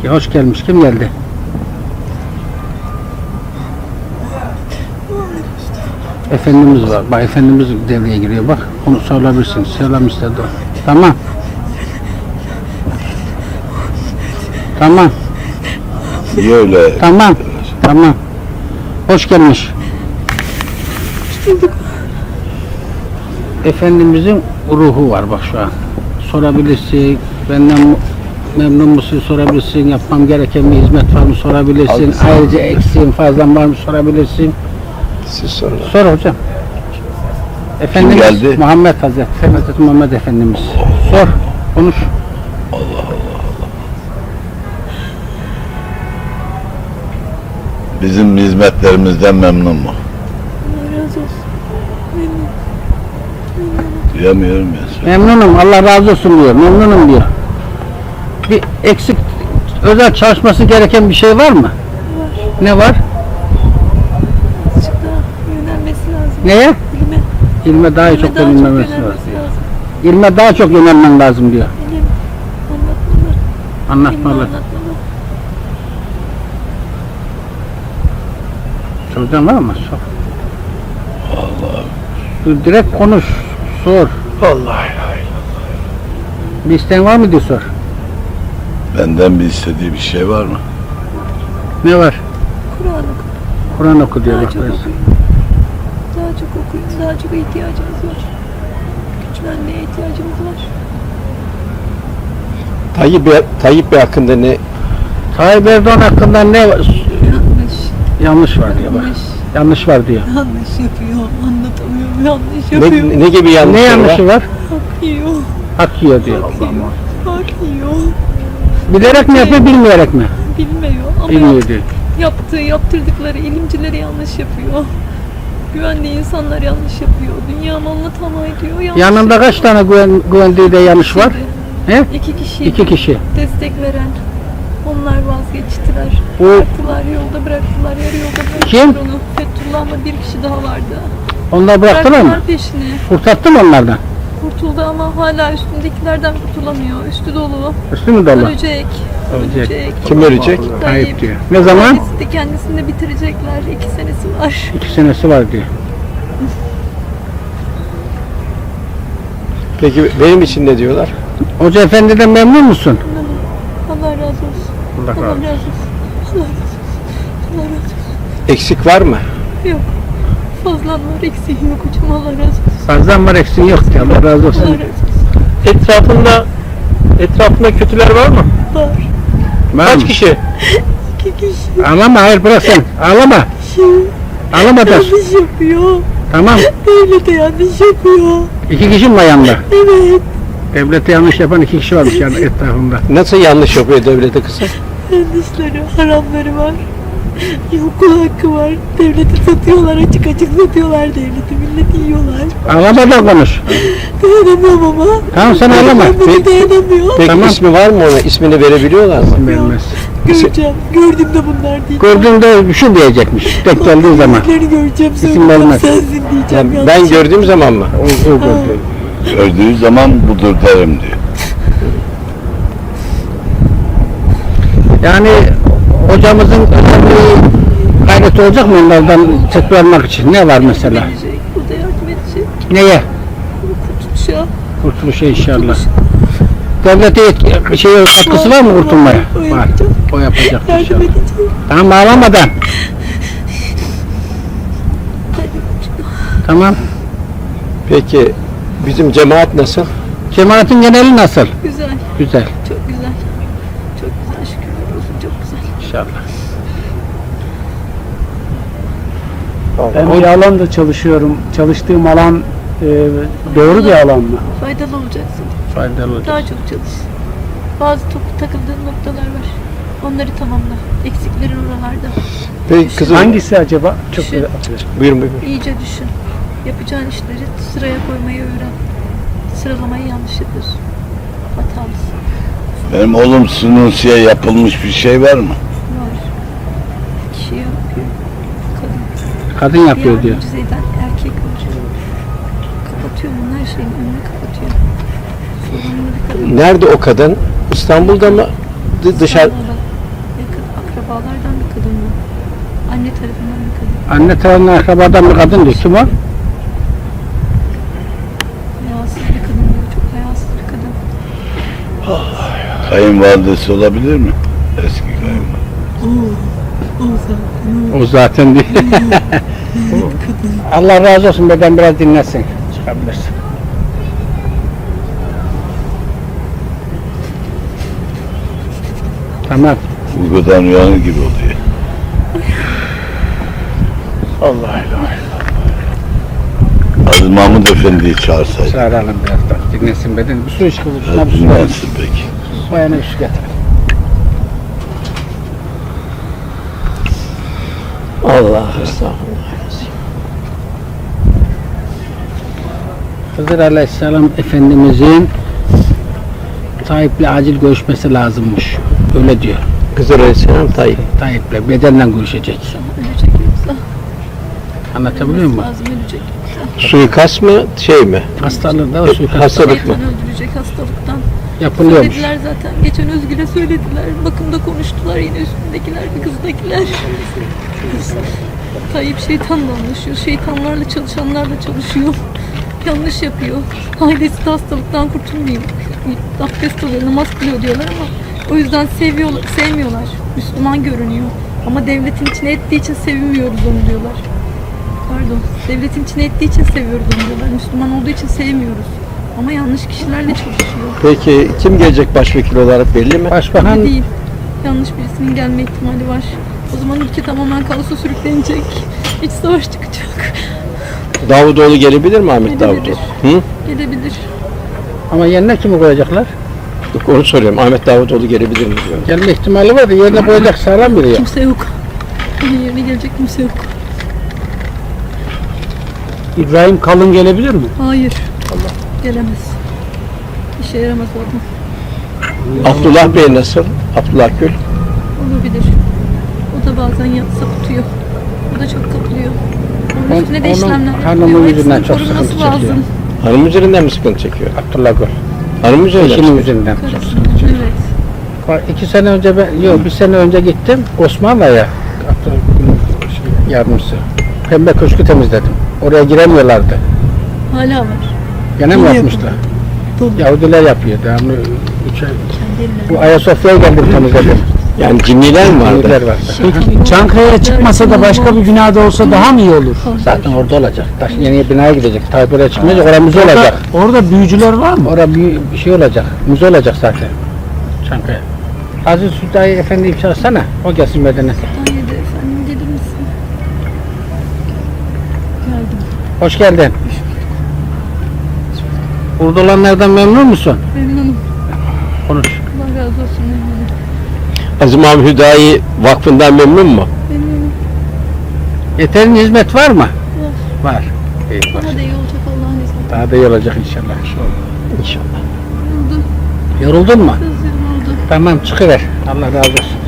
Hoş gelmiş. Kim geldi? Efendimiz var. Bak Efendimiz devreye giriyor. Bak onu sorabilirsin. Selam istedi o. Tamam. Tamam. Niye öyle? Tamam. Tamam. Hoş gelmiş. Efendimizin ruhu var bak şu an. Sorabilirsin. Benden memnun musun sorabilirsin. Yapmam gereken bir hizmet var mı sorabilirsin. Haklısın. Ayrıca eksiğin fazlan var mı sorabilirsin. Siz sorun. Sor hocam. Efendimiz geldi? Muhammed Hazreti Muhammed Efendimiz. Sor. Konuş. Bizim hizmetlerimizden memnun mu? Allah razı olsun. Duyamıyorum ya. Memnunum. Allah razı olsun diyor. Memnunum diyor. Bir eksik özel çalışması gereken bir şey var mı? Var. Ne var? Azıcık daha yönelmesi lazım. Neye? İlme. İlme daha çok daha yönelmesi çok lazım. lazım. İlme daha çok yönelmen lazım diyor. İlim anlatmalı. İlmi Anlatmalı. anlatmalı. Soracağım var mı? Sor. Direkt konuş. Sor. Vallahi. Bir isteğin var mı diye sor. Benden bir istediği bir şey var mı? Ne var? Kur'an oku. Kur'an oku diyor. Daha Bak çok böyle. okuyun. Daha çok okuyun. Daha çok ihtiyacımız var. Güçlenmeye ihtiyacımız var. Tayyip Bey hakkında ne? Tayyip Erdoğan hakkında ne var? Yanlış. Yanlış var diyor bak. Yanlış. Yanlış var diyor. Yanlış yapıyor. Anlatamıyorum. Yanlış yapıyor. Ne gibi yanlış? Ne yanlışı var? Hak yiyor. Hak yiyor diyor. Hak yiyor. Bilerek mi yapıyor, bilmeyerek mi? Bilmiyor ama Bilmiyor diyor. yaptırdıkları ilimcileri yanlış yapıyor. Güvendiği insanlar yanlış yapıyor. Dünya malına tamah ediyor. Yanlış Yanında kaç tane güvendiği de yanlış var? He? 2 kişi. 2 kişi. Destek veren. Onlar vazgeçtiler. Bu- Bıraktılar, yolda bıraktılar. Yarı yolda bıraktılar Kim? onu. Fethullah'la bir kişi daha vardı. Onlar bıraktılar mı? peşini. Kurtarttı mı onlardan? Kurtuldu ama hala üstündekilerden kurtulamıyor. Üstü dolu. Üstü mü dolu? Ölecek. Ölecek. Kim ölecek? Tayyip diyor. Ne zaman? Kendisi de kendisini de bitirecekler. 2 senesi var. 2 senesi var diyor. Peki benim için ne diyorlar? Hoca efendiden memnun musun? Allah razı olsun. Allah razı Allah olsun. razı olsun. Allah razı olsun. Allah razı olsun. Eksik var mı? Yok. Fazlan var, eksiğin yok hocam. Allah razı olsun. Fazlan var eksiğin yok diyor. Allah razı Allah olsun. razı olsun. Etrafında kötüler var mı? Var. Var Kaç mı? kişi? 2 kişi. Ağlama hayır bırak sen. Ağlama. Ağlama da. Yanlış yapıyor. Tamam. Devlete yanlış yapıyor. 2 kişi mi var yanında? Evet. Devlete yanlış yapan 2 kişi varmış yani etrafında. Nasıl yanlış yapıyor devlete kızım? Yanlışları, haramları var. Okul hakkı var. Devleti satıyorlar, açık açık satıyorlar devleti. Milleti yiyorlar. Ağlama da konuş. Dayanamıyorum ama. Tamam sen ağlama. Ben bunu dayanamıyor. Peki Tamam. ismi var mı ona? İsmini verebiliyorlar mı? Vermez. Göreceğim. Gördüğümde bunlar diyeceğim. Gördüğünde şu diyecekmiş. Tek geldiği zaman. Yüzlerini göreceğim. İsim Söyleyeceğim vermez. sensin diyeceğim. Yani yanlış ben gördüğüm zaman mı? O gördü. Gördüğü zaman budur derim diyor. Yani hocamızın özel bir gayreti olacak mı onlardan çıkarmak için? Ne var mesela? Verecek, o da yardım edecek. Neye? Kurtuluşa. Kurtuluşa inşallah. Devlete katkısı var mı kurtulmaya? O Var. yapacak. O yapacak Yardım inşallah. edecek. Tamam ağlamadan. Tamam. Peki bizim cemaat nasıl? Cemaatin geneli nasıl? Güzel. Güzel. Çok güzel. Çok güzel. Şükürler olsun. Çok güzel. İnşallah. Ben bir alanda çalışıyorum. Çalıştığım alan doğru bir alan mı? Faydalı olacaksın. Faydalı olacak. Daha çok çalış. Bazı takıldığın noktalar var. Onları tamamla. Eksiklerin oralarda. Peki kızım Hangisi acaba? Çok Şu- buyurun. İyice düşün. Yapacağın işleri sıraya koymayı öğren. Sıralamayı yanlış yapıyorsun. Hatalısın. Benim oğlum Sunusi'ye yapılmış bir şey var mı? Var. Kişi yapıyor. Kadın. Kadın yapıyor Bir diyor. mucize eden erkek var. Kapatıyor bunun her şeyin önünü kapatıyor. Sorumlu bir kadın. Nerede o kadın? İstanbul'da mı? Dışarı. İstanbul'da. akrabalardan bir kadın bu. Anne tarafından bir kadın. Anne tarafından akrabadan bir kadın diyor. Kim o? Hayasız bir kadın diyor. Çok hayasız bir kadın. Kayınvalidesi olabilir mi? Eski kayınvalide. O zaten diyor. Allah razı olsun, beden biraz dinlesin. Çıkabilirsin. Tamam. Uykudan uyanır gibi oluyor. Allah Allah. Aziz Mahmud Efendi'yi çağırsaydı. Çağıralım birazdan. Dinlesin beden. Bir su iç kızım. Şuna bir su ver. Dinlensin peki. Bu yana bir su getir. Allah estağfurullah. Hızır Aleyhisselam Efendimizin Tayyip'le acil görüşmesi lazımmış. Öyle diyor. Hızır Aleyhisselam Tayyip. Tayyip'le bedenle görüşecek. Ölecek yoksa. Anlatabiliyor muyum? Lazım ölecek yoksa. Suikast mı şey mi? Hastalığı da o suikast Hastalık mı? Şeytan öldürecek hastalıktan. yapılıyormuş. Söylediler zaten. Geçen Özgür'e söylediler. Bakımda konuştular yine üstündekiler ve kızdakiler. Tayyip şeytanla anlaşıyor. Şeytanlarla çalışanlarla çalışıyor. Yanlış yapıyor. Ailesi de hastalıktan kurtulmayayım. Abdest alıyor, namaz kılıyor diyorlar ama o yüzden sevmiyorlar. Müslüman görünüyor. Ama devletin içine ettiği için sevmiyoruz onu diyorlar. Pardon. Devletin içine ettiği için seviyoruz onu diyorlar. Müslüman olduğu için sevmiyoruz. Ama yanlış kişilerle çalışıyor. Peki kim gelecek başvekil olarak belli mi? Başbakan Belli değil. Yanlış birisinin gelme ihtimali var. O zaman ülke tamamen kaosa sürüklenecek. İç savaş çıkacak. Davutoğlu gelebilir mi Ahmet Gelebilir. Davutoğlu? Hı? Gelebilir. ama yerine kimi koyacaklar? Yok, onu soruyorum. Ahmet Davutoğlu gelebilir mi diyorum. Gelme ihtimali var da yerine koyacak sağlam biri ya. Kimse yok. Onun yerine gelecek kimse yok. İbrahim Kalın gelebilir mi? Hayır. Gelemez. İşe yaramaz o adam. Abdullah Bey nasıl? Abdullah Gül. Olabilir. O da bazen sapıtıyor. O da çok kapılıyor. Onun On- üstüne de onun işlemler hanımı yapılıyor. yüzünden Hepsinin çok korunması sıkıntı çekiyor. lazım. Hanım üzerinden mi sıkıntı çekiyor? Abdullah Gül. Hanım üzerinden mi? Eşinin yüzünden. Karısının. Evet. Bak, 2 sene önce bir sene önce gittim Osmanlı'ya. Abdullah Gül'ün yardımcısı. Pembe köşkü temizledim. Oraya giremiyorlardı. Hala var. Gene mi Yine yapmışlar? Dolu. Yahudiler yapıyor. Devamlı Kendi bu ellerine. Ayasofya'ya geldim temizledim. Yani cinniler mi vardı? Yahudiler var. Çankaya'ya çıkmasa da başka bir binada olsa daha mı iyi olur? Zaten orada olacak. Taş yeni binaya gidecek. Tayyip oraya çıkmayacak. Orada müze olacak. Orada büyücüler var mı? Orada bir şey olacak. Müze olacak zaten. Çankaya. Aziz Südayi Efendi'yi çağırsana. O gelsin bedene. Haydi efendim gelir misin? Geldim. Hoş geldin. Burada olanlardan memnun musun? Memnunum. Konuş. Allah razı olsun memnunum. Aziz Mahmud Hüdayi Vakfı'ndan memnun mu? Memnunum. Yeterince hizmet var mı? Var. İyi. Daha da iyi olacak Allah'ın izniyle. Daha da iyi olacak inşallah. İnşallah. Oldu. Yoruldun mu? Sözlerim oldu. Tamam çıkıver. Allah razı olsun.